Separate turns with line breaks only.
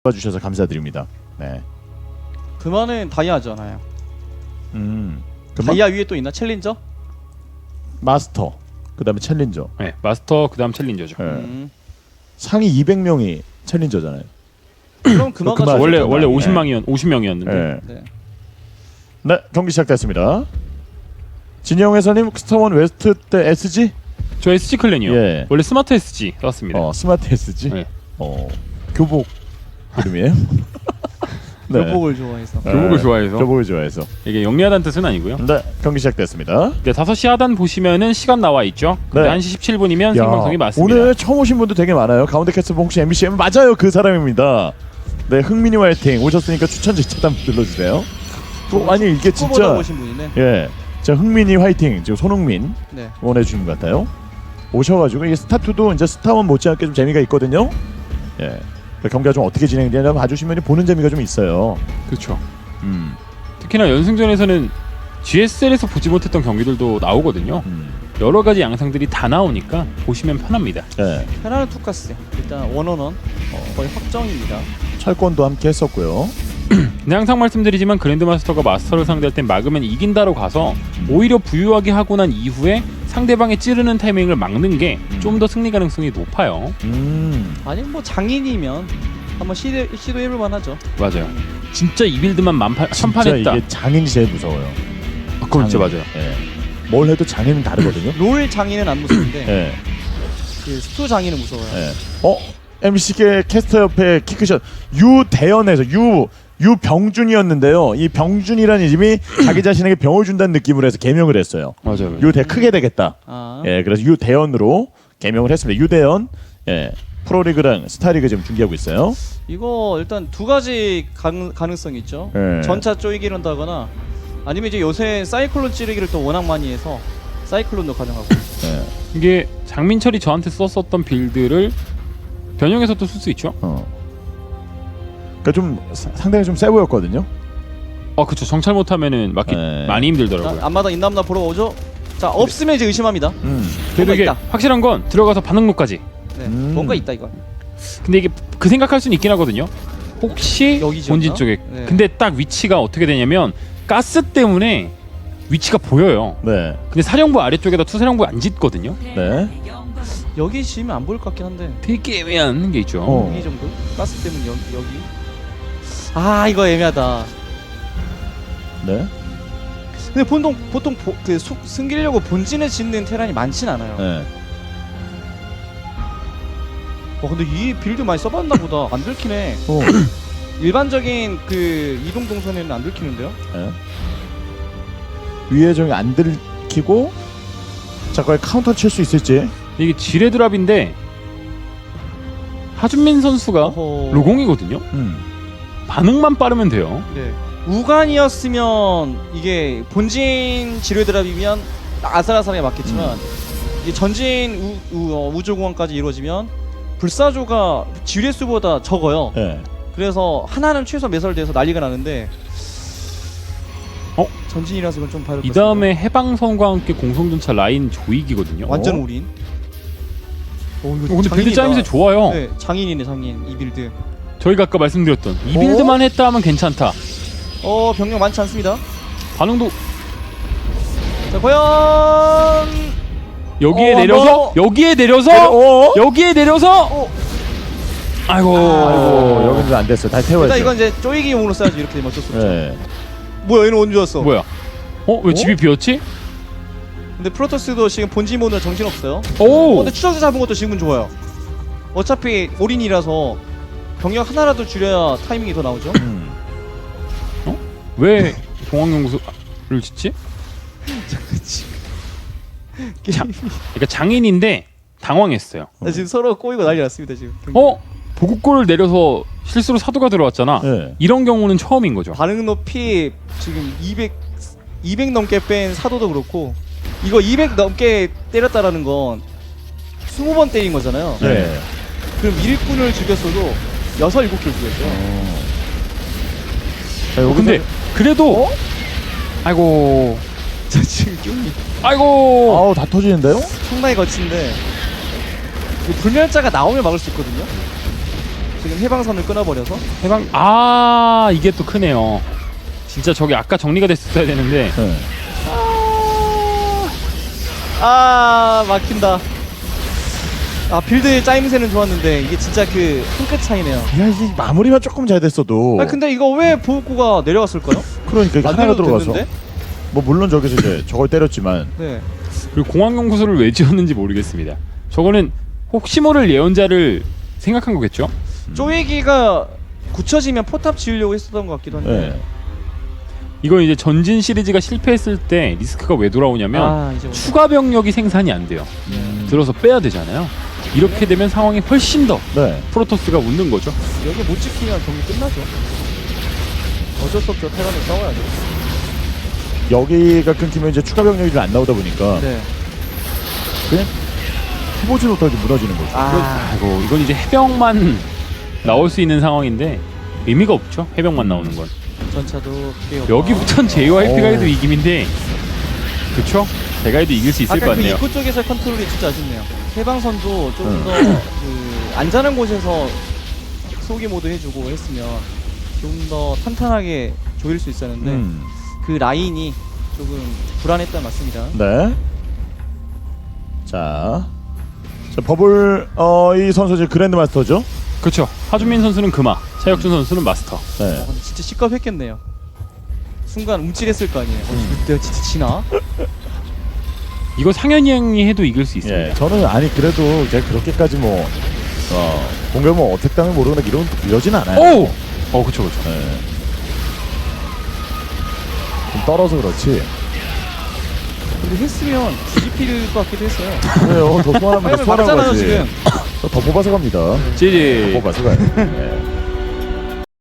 봐주셔서 감사드립니다. 네.
그만은 다이아잖아요.
그만?
다이아 위에 또 있나? 챌린저?
마스터. 그다음에 챌린저.
네, 마스터 그다음 챌린저죠.
네. 상위 200명이 챌린저잖아요.
그럼 그만가
그만.
원래
네.
50명이었는데.
네.
네.
네, 경기 시작됐습니다. 진영 회사님 스타원 웨스트 때 SG?
저 SG 클랜이요.
예.
원래 스마트 SG 썼습니다.
스마트 SG?
네.
교복 이름이에요? 네.
교복을 좋아해서.
교복을 좋아해서.
교복을 좋아해서.
이게 영리하다는 뜻은 아니고요.
네, 경기 시작됐습니다.
네, 5시 하단 보시면은 시간 나와 있죠.
네.
1시 17분이면 생방송이 맞습니다.
오늘 처음 오신 분도 되게 많아요. 가운데 캐스터 혹시 MBCM 맞아요, 그 사람입니다. 네, 흥민이 화이팅 오셨으니까 추천지 차단 눌러주세요. 또 아니 이게
보다
진짜
보신 분이네.
예, 자 흥민이 화이팅 지금 손흥민
네.
응원해 주는 것 같아요. 오셔가지고 이게 스타2도 이제 스타원 못지않게 좀 재미가 있거든요. 예, 그 경기가 좀 어떻게 진행되냐 봐주시면 보는 재미가 좀 있어요.
그렇죠. 특히나 연승전에서는 GSL에서 보지 못했던 경기들도 나오거든요. 여러 가지 양상들이 다 나오니까 보시면 편합니다.
예,
페라르 투카스 일단 원원원 거의 확정입니다.
철권도 함께 했었고요.
근데 항상 말씀드리지만 그랜드마스터가 마스터를 상대할 땐 막으면 이긴다로 가서 오히려 부유하게 하고 난 이후에 상대방의 찌르는 타이밍을 막는 게 좀 더 승리 가능성이 높아요.
아니 뭐 장인이면 한번 시도해볼 만하죠.
맞아요. 진짜 이 빌드만
진짜
천판했다.
이게 장인이 제일 무서워요.
그건 진짜
장인.
맞아요.
예, 뭘 해도 장인은 다르거든요.
롤 장인은 안 무서운데
예.
그 스투 장인은 무서워요.
예. MC계 캐스터 옆에 키크샷 유대현에서 유병준이었는데요. 이 병준이라는 이름이 자기 자신에게 병을 준다는 느낌으로 해서 개명을 했어요.
맞아요.
유대 크게 되겠다.
아.
예, 그래서 유대현으로 개명을 했습니다. 유대현, 예, 프로리그랑 스타리그 지금 중계하고 있어요.
이거 일단 두 가지 가능성이 있죠.
예.
전차 쪼이기를 한다거나 아니면 이제 요새 사이클론 찌르기를 또 워낙 많이 해서 사이클론도 가능하고.
예,
이게 장민철이 저한테 썼었던 빌드를 변형해서 또 쓸 수 있죠.
그러니까 좀 상당히 좀 세 보였거든요.
그쵸. 정찰 못하면은 맞기
네.
많이 힘들더라고요.
자, 앞마당 있나 없나 보러 오죠. 자, 없으면 이제 의심합니다.
그래도
뭔가
이게
있다.
확실한 건 들어가서 반응로까지.
네, 뭔가 있다 이거.
근데 이게 그 생각할 수는 있긴 하거든요. 혹시
여기죠,
본진
나?
쪽에.
네.
근데 딱 위치가 어떻게 되냐면 가스 때문에 위치가 보여요.
네,
근데 사령부 아래쪽에다 투사령부 안 짓거든요.
네.
여기 지으면 안 보일 것 같긴 한데.
되게 애매한 게 있죠.
여기 정도? 가스 때문에 여기. 아, 이거 애매하다.
네.
근데 보통 숨기려고 본진을 짓는 테란이 많진 않아요.
네.
근데 이 빌드 많이 써봤나 보다. 안 들키네. 일반적인 그 이동 동선에는 안 들키는데요?
네. 위에 저기 안 들키고 자, 거기 카운터 칠 수 있을지.
이게 지뢰드랍인데 하준민 선수가
어허.
로공이거든요. 반응만 빠르면 돼요.
네. 우간이었으면 이게 본진 지뢰 드랍이면 아슬아슬하게 맞겠지만 이게 전진 우주공항까지 이루어지면 불사조가 지뢰 수보다 적어요.
네.
그래서 하나는 최소 매설돼서 난리가 나는데 전진이라서 이건 좀 봐야
이 다음에 해방선과 함께 공성전차 라인 조이기거든요.
완전 올인. 이거
근데 빌드
장인이다.
짜임새 좋아요.
네, 장인이네 장인 이 빌드.
저희가 아까 말씀드렸던 이 빌드만 했다 하면 괜찮다.
병력 많지 않습니다.
반응도
자, 과연
여기에 내려서 여기에 내려서 여기에 내려서 아이고
여기는 안 됐어요. 다시 태워야죠.
일단 이건 이제 쪼이기용으로 써야지. 이렇게 되면 어쩔 수 없죠.
네.
뭐야, 얘는 언제 왔어?
뭐야? 왜 집이 비었지?
근데 프로토스도 지금 본진 모드는 정신없어요.
오!
근데 추적자 잡은 것도 지금은 좋아요. 어차피 올인이라서 병력 하나라도 줄여야 타이밍이 더 나오죠.
왜 공항연구소를 짓지? 그러니까 장인인데 당황했어요.
나 지금 서로 꼬이고 난리 났습니다 지금.
보급골을 내려서 실수로 사도가 들어왔잖아.
네.
이런 경우는 처음인 거죠.
반응 높이 지금 200 넘게 뺀 사도도 그렇고 이거 200 넘게 때렸다라는 건 20번 때린 거잖아요.
네.
그럼 일꾼을 죽였어도 6, 7킬 죽였죠.
자, 여기서
근데 그래도 아이고
저 지금 뀨이
아이고
다 터지는데요?
상당히 거친데 불멸자가 나오면 막을 수 있거든요. 지금 해방선을 끊어버려서
해방 이게 또 크네요. 진짜 저게 아까 정리가 됐어야 되는데
네.
막힌다. 빌드의 짜임새는 좋았는데 이게 진짜 그 한 끗 차이네요.
야, 이게 마무리만 조금 잘 됐어도.
근데 이거 왜 보호구가 내려갔을까요?
그러니까 이게 하나가
만들어도
들어가서.
됐는데?
뭐 물론 저기서 이제 저걸 때렸지만.
네.
그리고 공항연구소를 왜 지었는지 모르겠습니다. 저거는 혹시 모를 예언자를 생각한 거겠죠?
쪼이기가 굳혀지면 포탑 지으려고 했었던 것 같기도 한데.
네.
이건 이제 전진 시리즈가 실패했을 때 리스크가 왜 돌아오냐면
이제
추가 병력이 생산이 안 돼요. 들어서 빼야 되잖아요. 이렇게 되면 상황이 훨씬 더
네.
프로토스가 웃는 거죠.
여기 못 지키면 경기 끝나죠. 어쩔 수 없죠. 테란을 싸워야죠.
여기가 끊기면 이제 추가 병력이 안 나오다 보니까
네.
그냥 해보지 못하게 무너지는 거죠.
아이고 이건 이제 해병만 나올 수 있는 상황인데 의미가 없죠. 해병만 나오는 건.
전차도
여기부터는 JYP가
오.
해도 이김인데 그쵸? 제가 해도 이길 수 있을 것
아까 그
같네요.
입구 쪽에서 컨트롤이 진짜 아쉽네요. 해방선도 좀 더 그 안전한 곳에서 소기 모드 해주고 했으면 좀 더 탄탄하게 조일 수 있었는데 그 라인이 조금 불안했던 것 같습니다.
네. 자 버블 이 선수 이제 그랜드 마스터죠.
그렇죠. 하준민 선수는 금화, 차혁준 선수는 마스터.
네.
근데 진짜 시겁했겠네요. 순간 움찔했을 거 아니에요. 내가 진짜 지나?
이거 상현이 형이 해도 이길 수 있습니다.
예. 저는 아니 그래도 제가 그렇게까지 뭐 공격 뭐 어택 당을 모르거나 이러진 않아요.
오, 그렇죠, 그렇죠.
예. 좀 떨어서 그렇지.
근데 했으면 뒤집힐 것 같기도 했어요.
그래요. 더 소환하면 더
왜냐면
소환하고
막잖아요
가지.
지금.
더 뽑아서 갑니다.
지지.
더 뽑아서 가요. 예.